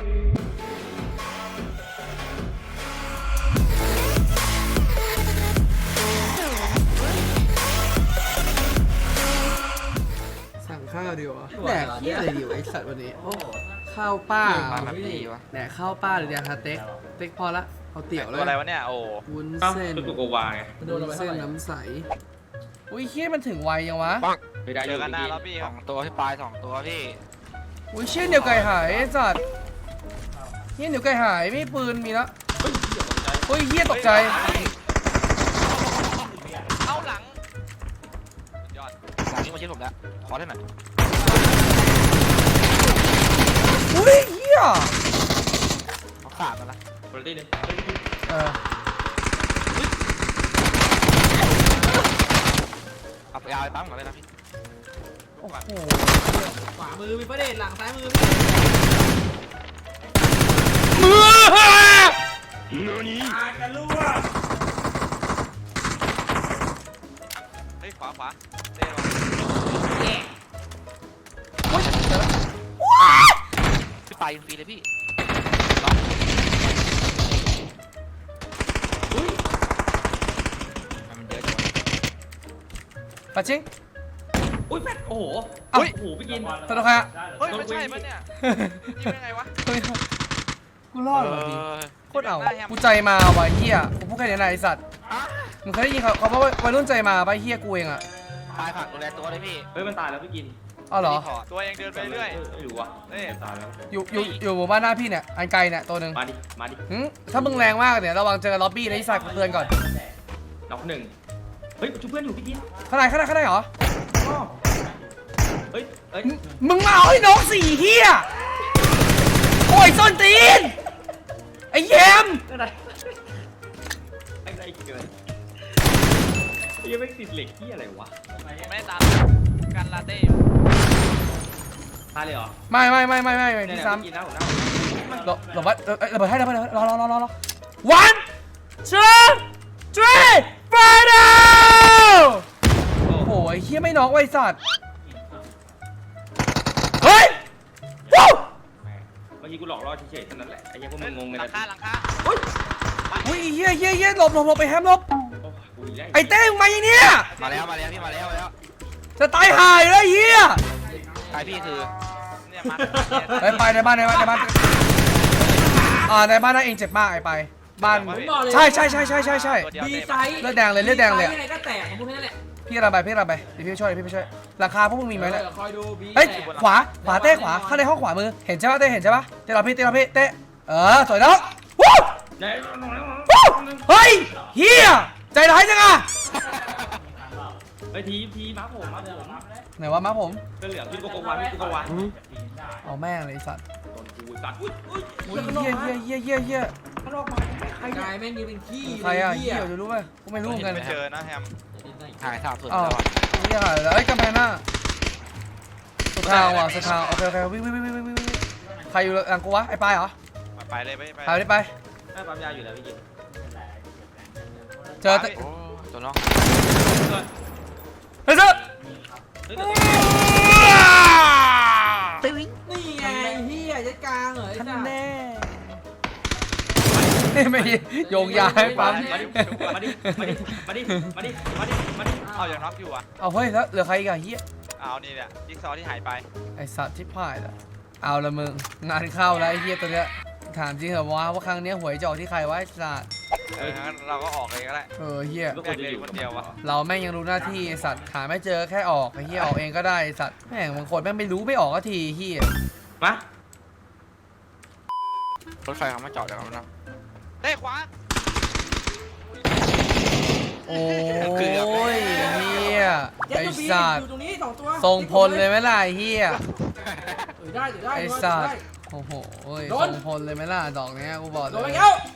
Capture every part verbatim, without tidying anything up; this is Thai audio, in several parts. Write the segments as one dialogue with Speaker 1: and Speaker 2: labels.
Speaker 1: สั่งข้าวดีวะแดกเที่ยอะไรดีวะไอสัตว์วันนี้ข้าวป้าแดกข้าวป้าหรือแดกสเต็กสเต็กพอละเอาเตี๋ยวเลย
Speaker 2: อะไรวะเนี่ยโอ้
Speaker 1: วุ้นเส้น
Speaker 3: ตุกโกวาไง
Speaker 1: วุ้นเส้นน้ำใสอุ้ยเฮี้ยมันถึงไวยังวะ
Speaker 2: เจอกันหน้าแล้วพี่สองตัวที่ปลายสองตัวพี่
Speaker 1: อุ้ยเชี่ยเดี๋ยวไก่หายไอ้สัตว์เฮี้ยเดี๋ยวไก่หายไม่ปืนมีละเฮ้ยเฮี้ยตกใจ
Speaker 2: เข้าหลังยอด
Speaker 4: หลังนี้มาชิดผมแล้วขอได้ไหม
Speaker 1: อุ้ยเฮี้ย
Speaker 4: เขาขาดมาละ
Speaker 3: บอลตี้เลย
Speaker 1: เออ
Speaker 4: เอาไปเอาไปปั๊มก่อนเลยนะพี่
Speaker 1: โอ้โห
Speaker 5: ขวามือมีประเด็นหลังซ้ายมือ
Speaker 1: มือ
Speaker 5: อากันลูก
Speaker 2: เฮ้ยขวาขวาเต้
Speaker 4: พี่ไปยิงฟรีเลยพี่มันเยอะจัง
Speaker 1: ปะชิง
Speaker 3: อุ้ยแฟดโอ้โห
Speaker 1: อุ้ย
Speaker 3: โอ้โหพี่กิน
Speaker 1: ตลกอะ
Speaker 2: เฮ้ยไม่ใช่ปะเนี่ยยิงได้ไงวะ
Speaker 1: กูรอดเหรอพี่โคตรเอากูใจมาว่ะเฮียกูพูดแค่นี้นะไอสัตว์มึงเคยได้ยินเขาเขาว่าวัยรุ่นใจมาป่ะเฮียกูเองอะ
Speaker 4: ตายผักดูแลตัวเลยพี่
Speaker 3: เฮ้ยมันตายแล้วพี่กิน
Speaker 1: อ๋อเหรอ
Speaker 2: ตัวเองเดินไปเรื่อย
Speaker 3: ไม่รู้ว่ะ
Speaker 2: นี่
Speaker 3: ตายแล้ว
Speaker 1: อยู่อยู่อยู่หมู่บ้านหน้าพี่เนี่ยอันไกลเนี่ยตัวหนึ่ง
Speaker 3: มาดิมาดิ
Speaker 1: ถ้ามึงแรงมากเนี่ยระวังเจอล็อบบี้นะไอสัตว์เตือนก่อน
Speaker 3: น็อกหนึ่งเฮ้ยชูเพื่อนอยู่พี่กิน
Speaker 1: ข้างในข้างในข้างในเหรอ
Speaker 3: เฮ้ยเฮ้ย
Speaker 1: มึงมาเอาให้น้องสี่เฮียโอ้ยส้นตีนไอ้แยม
Speaker 3: อะไรอะไรเกินยังไม่ติดเหล็กที่อะไรวะ
Speaker 2: ไม่ตามกันลาเต้
Speaker 3: ตายเลยเหรอ
Speaker 1: ไม่ไม่ไม่ไม่ไม่ที่ซ้ำ
Speaker 3: กินนะผมนะ
Speaker 1: หลบหลบไว้ระเบิดให้ระเบิดรอรอรอรอรอ one two three final โอ้โหไอ้เฮียไม่น็อกไว้สัตว์เฮ้ยวู้
Speaker 3: เมื่อกี้กูหลอกล่อเฉยๆเท่านั้นแหละไอ้ยังพวกมึงงงเลย
Speaker 2: หลังคาหลังคา
Speaker 1: อุ้ยเฮียเฮียเฮียหลบหลบหลบไปแฮมหลบไอ้เต้มึงมาอย่างเนี้ย
Speaker 4: มาแล้วมาแล้วพี่มาแล้วมาแล้ว
Speaker 1: จะตายหายเลยเฮีย
Speaker 4: ตายพี่คือ
Speaker 2: เนี่ยมา
Speaker 1: ไปไปในบ้านในบ้านในบ้านอ่าในบ้านนั่นเองเจ็บมากไอ้ไปบ้านใช่ใช่ใช่ใช่ใช่ใช่
Speaker 5: ดีไซน์
Speaker 1: เลือดแดงเลยเลือดแดงเลย
Speaker 5: ยังไงก็แตกของพวกนี้แหละ
Speaker 1: พี่ระบายพี่ระบายเดี๋ยวพี่ช่วยพี่ไปช่วยราคาพวกมึงมีไหมเนี่ย
Speaker 5: คอยดูบี
Speaker 1: เฮ้ยขวาขวาเต้ขวาข้างในห้องขวามือเห็นใช่ปะเต้เห็นใช่ปะเต้เราพี่เต้เราพี่เต้เออสวยแล้ววู้เฮ้ยเฮียใจร้ายจังอะ
Speaker 3: ไอ้ทีทีม้าผมม้าผม
Speaker 1: ไหนว่าม้าผม
Speaker 3: ก็เหลือพี่โกโกวาพี่โกโกวา
Speaker 1: เอาแม่งเลยสัตว์
Speaker 3: ต้นกูสัตว์อุ้ย
Speaker 1: อุ้ยเฮียเฮียเฮียเฮียเฮีย
Speaker 5: ข้างนอกมาใครกายแม่งมีเป็นขี้
Speaker 1: ใครอะเฮียจะรู้ไหมกูไม่รู้กัน
Speaker 2: ไม่เจอนะแฮม
Speaker 4: หายสาบสุด
Speaker 1: อ๋อเฮียแล้วไอ้กำแพงหน้าสุดทางว่ะสุดทางโอเคโอเควิ่งวิ่งวิ่งวิ่งวิ่งใครอยู่หลังกูวะไอ้ปลายเหรอ
Speaker 2: ไปเลยไป
Speaker 1: ไปไปไป
Speaker 3: ให้ปั๊มยาอยู่แล้วพี่กิน
Speaker 1: เจอ
Speaker 4: ตัวน้อง
Speaker 1: เฮ้ยเจอ
Speaker 5: ตึ้งนี่ไงเฮียยัดกลางเหรอท่าน
Speaker 1: แน่ไม่โยงยาให้ปั๊ม
Speaker 3: มาดิมาดิมาดิมาดิมาดิมาดิมาดิ
Speaker 2: เอาอย่างน็อกอยู่อ่ะ
Speaker 1: เอาเฮ้ยแล้วเหลือใครอีกอะเฮีย
Speaker 2: เอานี่แหละจิ๊กซอที่หายไป
Speaker 1: ไอสัตว์ที่พ่ายละเอาละมึงงานเข้าแล้วไอเฮียตัวเนี้ยถามจริงเหรอวะว่าครั้งนี้หวยจะออกที่ใครวะไอสัตว์
Speaker 2: เอองั้นเราก็ออกเองก็ได้
Speaker 1: เออเฮีย
Speaker 2: แม่งเลยคนเดียววะ
Speaker 1: เราแม่งยังรู้หน้าที่ไอสัตว์หาไม่เจอแค่ออกไอเฮียออกเองก็ได้ไอสัตว์แม่งบางคนแม่งไม่รู้ไม่ออกก็ทีเฮีย
Speaker 3: มาร
Speaker 4: ถไฟเขามาจอดแล้วนะ
Speaker 2: เฮ้ยขวา
Speaker 1: โอ้ยเฮียไอสัตว์ทรงพลเลยไหมล่ะเฮียไอสัตว์โอ้โหทรงพลเลยไหมล่ะดอกเนี้ยกูบอกเลย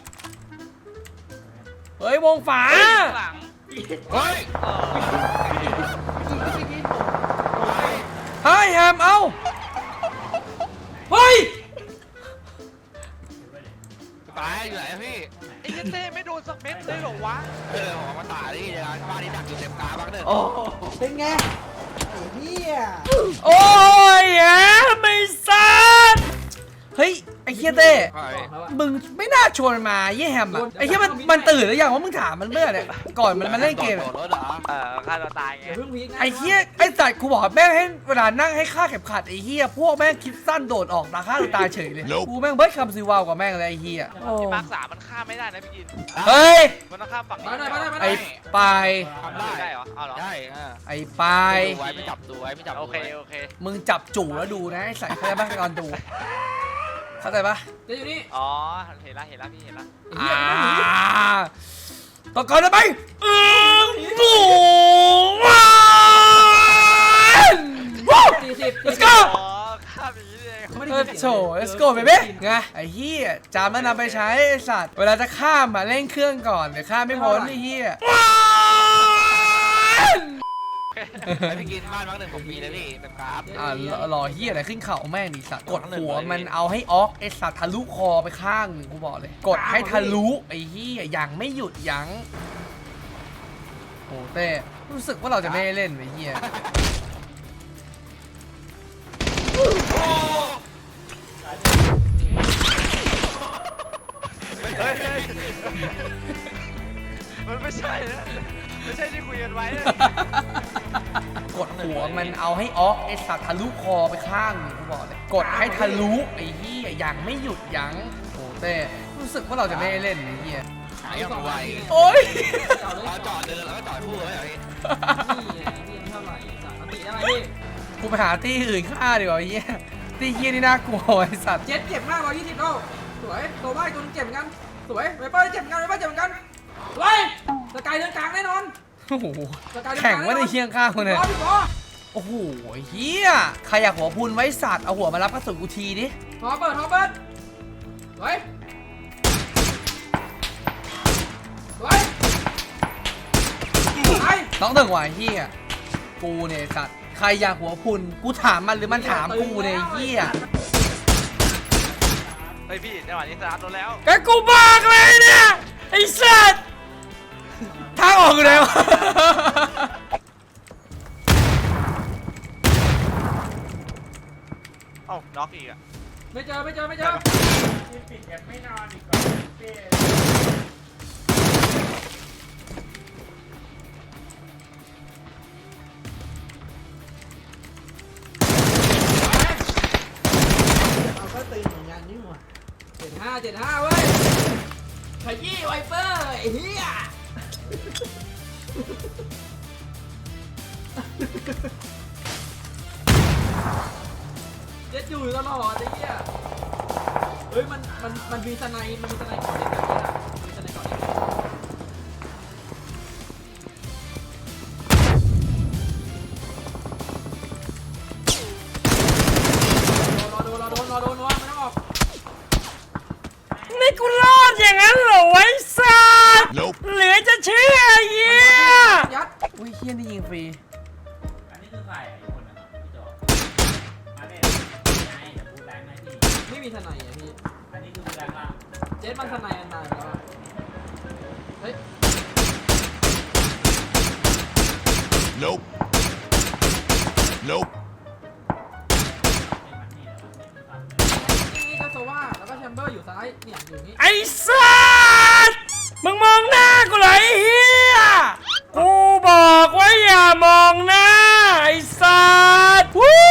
Speaker 1: เฮ้ยวงฝา
Speaker 2: เฮ้ย
Speaker 1: เฮ้ยแฮมเอาเฮ้ย
Speaker 4: ตายอยู่ไหนพี่
Speaker 2: ไอ้เต้ไม่โดนสักเม็ดเลยหรอวะ
Speaker 4: เออผมมาตายนี่นะบ้านนี้ดักอยู่เต็มตาบ้างเด้อ
Speaker 5: โอ้เป็นไงไอ้เหี้ย
Speaker 1: โอ้ยแฮมไม่ซัดเฮ้ยไอ้ฮียเต้
Speaker 4: ว่าไง
Speaker 1: มึงไม่น่าชวนมันมาเยี่ยแฮมอ่ะไอ้เฮียมันมันตื่นหรือยังว่ามึงถามมันเมื่อเนี่ยก่อนมันมาเล่นเกม
Speaker 4: โดดรถเหรอ
Speaker 2: เออฆ่าตัวตายไง
Speaker 5: อย่าเพิ่งพีคนะ
Speaker 1: ไอ้เฮียไอ้สัตว์กูบอกแม่งให้เวลานั่งให้ค่าเข็มขัดไอ้เฮียพวกแม่งคิดสั้นโดดออกตาฆ่าตัวตายเฉยเลยกูแม่งเบิร์ดคำซีวาวกว่าแม่งเลยไอ้เฮียโอ้
Speaker 2: ที่มาร์คสามมันฆ่าไม่ได้นะพี่กิน
Speaker 1: เฮ้ย
Speaker 2: มันต้องข้ามฝั่ง
Speaker 5: มาหน่อยมาหน่อยมาหน่
Speaker 1: ไอ้
Speaker 5: อย
Speaker 1: ปลาย
Speaker 4: ทำได้
Speaker 2: ได้เหรอเอาเหรอ
Speaker 4: ได้เออ
Speaker 1: ไอ้ปลาย
Speaker 4: ดูไว้ไม่จับดูไว้ไม่จับ
Speaker 2: โอ
Speaker 4: ดู
Speaker 2: เค
Speaker 4: ไว้
Speaker 2: โอเค
Speaker 1: มึงจับจู่แล้วดูนะไอ้ใส่เข้าใจปะก่อนดูเข้าใจปะ
Speaker 5: เจ๊อยู่นี่
Speaker 2: อ๋อเห็นละเห็นละพี่เห็นละ
Speaker 5: ไอ้
Speaker 1: อ่า
Speaker 5: เหี้ยมันไม่หนี
Speaker 1: ต่อก่อนได้ไหมอืมบูว้า
Speaker 5: สี่สิบ
Speaker 1: let's go
Speaker 2: อ๋อฆ่าแบบนี้เอง
Speaker 5: ไม่ได้
Speaker 1: เอ
Speaker 5: ยิ
Speaker 1: อน
Speaker 5: เสียง
Speaker 1: โถ let's go baby ไงไอ้เหี้ยจำแล้วนำไปใช้ไอ้สัตว์เวลาจะข้ามมาเร่งเครื่องก่อนเดี๋ยวข้ามไม่พ้นไอ้เหี้ย
Speaker 4: ไอ้พี่กินบ้านพักหนึ่งผมมีเลยพี่เป็นกราฟ
Speaker 1: อ่ารอเหี้ยอะไรขึ้นเข่าแม่งดิสัตว์กดหัวมันเอาให้ออกไอ้สัตว์ทะลุคอไปข้างหนึ่งกูบอกเลย กดให้ทะลุไอ้เหี้ยยังไม่หยุดยั้งโอ้เต้รู้สึกว่าเราจะไม่ได้เล่นไอ้เหี้ย
Speaker 2: เฮ้ยเฮ้ยมันไม่ใช่นะไม่ใช่ที่คุยกันไว้นะ
Speaker 1: กดหัวมันเอาให้ออกไอ้สัตว์ทะลุคอไปข้างหนึ่งกูบอกเลยกดให้ทะลุไอ้เหี้ยยังไม่หยุดยั้งโอ้เต้รู้สึกว่าเราจะไม่ได้เล่นไอ้เหี้ย
Speaker 4: หายยังไว
Speaker 1: โอ๊ย
Speaker 5: เอาเลย
Speaker 4: เราจอดเดินแล้วก็จอดคู่ไว้เหรอพี่
Speaker 5: นี่ไงนี่เท่าไหร่สามติได้ไหมพี่
Speaker 1: กูไปหาที่อื่นฆ่าดีกว่าไอ้เหี้ยที่เหี้ยนี่น่ากลัวไอ้สัตว์
Speaker 5: เจ็ดเจ็บมากร้อยยี่สิบโลสวยโตบ้าอีกตัวนึงเจ็บเหมือนกันสวยไวเปอร์เจ็บเหมือนกันไวเปอร์เจ็บเหมือนกันสวยสกายเดินกลางแน่นอน
Speaker 1: โอ้โห
Speaker 5: สกายเดินก
Speaker 1: แข่
Speaker 5: ลาง ง
Speaker 1: ว่าในเคียงข้างคนเนี่ย
Speaker 5: พี่บอ
Speaker 1: โอ้โหเฮียใครอยากหัวพุนไว้สัตว์เอาหัวมารับกระสุนกูทีดิ
Speaker 5: พอเปิดพอเปิดสวยสวยไป
Speaker 1: ต้องถึงว่ะเฮียกูเนี่ยสัตว์ใครอยากหัวพุนกูถามมันหรือมันถามกูเนี่ยเฮีย
Speaker 2: เฮ้ยพี่จังหวะนี้สตาร์ทรถแล้ว
Speaker 1: ก็กูบอกเลยเนี่ยไอ้สัตว์ทางออกอยู่ไหนวะ
Speaker 2: เอ้าน็อกอีกอ่ะ
Speaker 5: ไม่เจอไม่เจอไม่เจอเอาก็ตีเหมือนกันนี่หว่าเจ็ดห้าเจ็ดห้าเว้ยขยี้ไวเปอร์ไอ้เหี้ยเจ็ดอยู่ตลอดไอ้เหี้ยเฮ้ยมันมันมันมีสไนด์มันมีสไนด์ก่อนเด็กแบบนี้นะมีสไนด์ก่อนเด็กรอโดนรอโดนรอโดนรอไม่ต้องออก
Speaker 1: นี่กูรอดอย่างนั้นเหรอไว้สัตว์เหลือจะเชื่อเฮีย
Speaker 5: ยัด
Speaker 1: อุ้ยเฮียนี่ยิงฟรี
Speaker 6: อันนี้คือใครไอ้คนนะครับพี่โจอันนี้ไงเดี๋ยวพูดแรงนะพี่
Speaker 5: ไม่มีสไนด์อ่ะพี่
Speaker 6: อันนี้คือพูดแรงละ
Speaker 5: เจ็ดมันสไนด์อันตายแล้วอะเฮ้ย
Speaker 7: Nope. Nope.
Speaker 5: นี่ก็โซว่าแล้วก็แชมเบอร์อยู่ซ้ายเนี่ยอยู่นี่
Speaker 1: ไอ้สัตว์มึงมองหน้ากูเหรอไอ้เฮียกูบอกว่าอย่ามองหน้าไอ้สัตว์วู้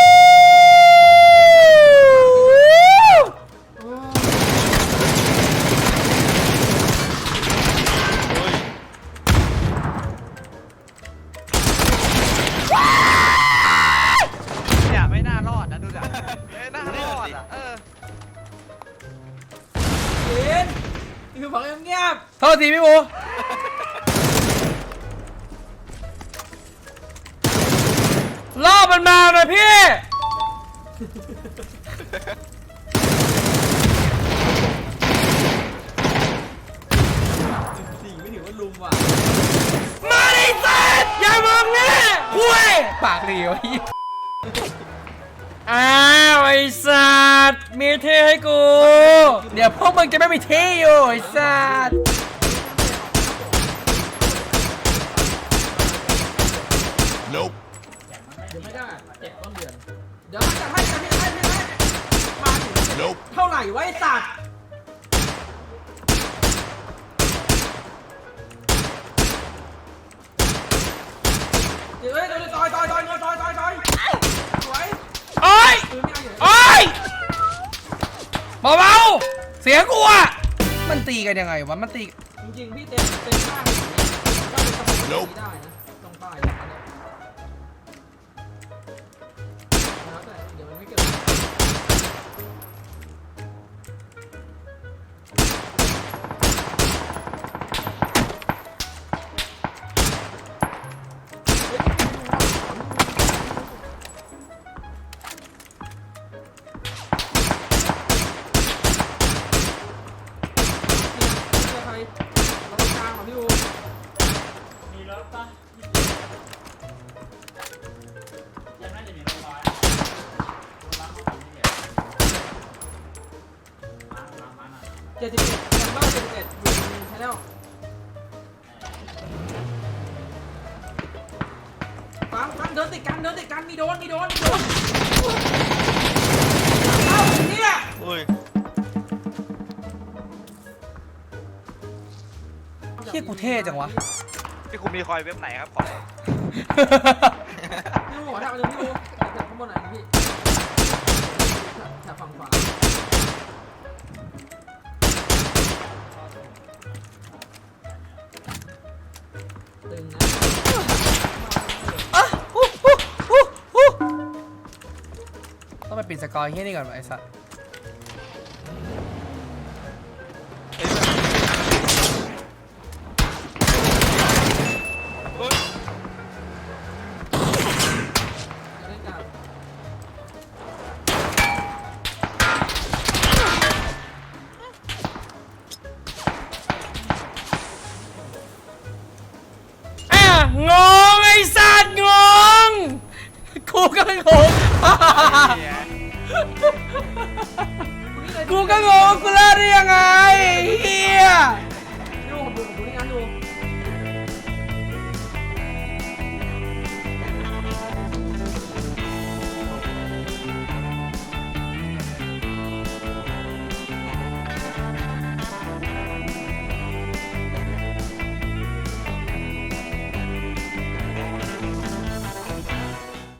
Speaker 2: เนี่ยไม่น่ารอดนะดูดิไม่น่ารอดอ่ะเออ
Speaker 5: เย็นคือบอกเงียบ
Speaker 1: โทษทีพี่บูล่อมันมาหน่อยพี่
Speaker 5: ๆสี่ไม่ถือว่าลุมว่ะ
Speaker 1: มาดิสัตว์อย่ามองหน้าคุยปากดีวะพี่อ้าวไอ้สัตว์มีเท่ให้กู เดี๋ยวพวกมึงจะไม่มีเท่อยู่ไอ้สัตว์
Speaker 7: Nope.
Speaker 5: เดี๋ยวไม่ได้เจ็บต้นเดือนเดี๋ยวจะให้จะให้จะให้จะให้มาถึง
Speaker 7: Nope. Nope.
Speaker 5: เท่าไหร่วะไอ้สัตว์เดี๋ยวเฮ้ยเดี๋ยวต่อยต่อยต่อยต่อยต่อยต่อยต่อยสวย
Speaker 1: โอ้ย
Speaker 5: ปืนไม่เอาอยู่
Speaker 1: โอ้ยเบาๆเสียงกูอะมันตีกันยังไงวะมันตี
Speaker 5: จริงๆพี่เต็มเต็มข้างอย่างนี้ก็เป็นสมองที่ดีได้นะตรงป้ายแล้วเนี่ยแล้วแต่เดี๋ยวมันไม่เกิด ใครเรากลางของพี่อู
Speaker 6: มีรถปะยังน่าจะมีรถร้อยรถร้อยของพี่เนี่ยมามามาหน่อย
Speaker 5: เจ็ดสิบเอ็ดแชมเบอร์เจ็ดสิบเอ็ดอยู่ในชาแนลฟังฟังเดินติดกันเดินติดกันมีโดนมีโดนมีโดนเอ้าเนี่ย
Speaker 2: อุ้ย
Speaker 1: เฮียกูเท่จังวะ
Speaker 2: พี่คุณมีคอยเว็บไหนครับของ
Speaker 5: พี่อูหัวแถวนึงพี่อูแถวข้างบนไหนนะพี่แถวฝั่งขวาตึงนะ
Speaker 1: อ่ะฮู้ฮู้ฮู้ฮู้ต้องไปปิดสกอร์เฮียนี่ก่อนวะไอ้สัส
Speaker 2: เฮ้ย
Speaker 5: จะเล่นกัน
Speaker 1: อ่ะงงไอ้สัสงงกูก็งง กูก็งงกูเล่าได้ยังไงเฮีย
Speaker 5: พี่อูผมดูผมดูนี่นะดู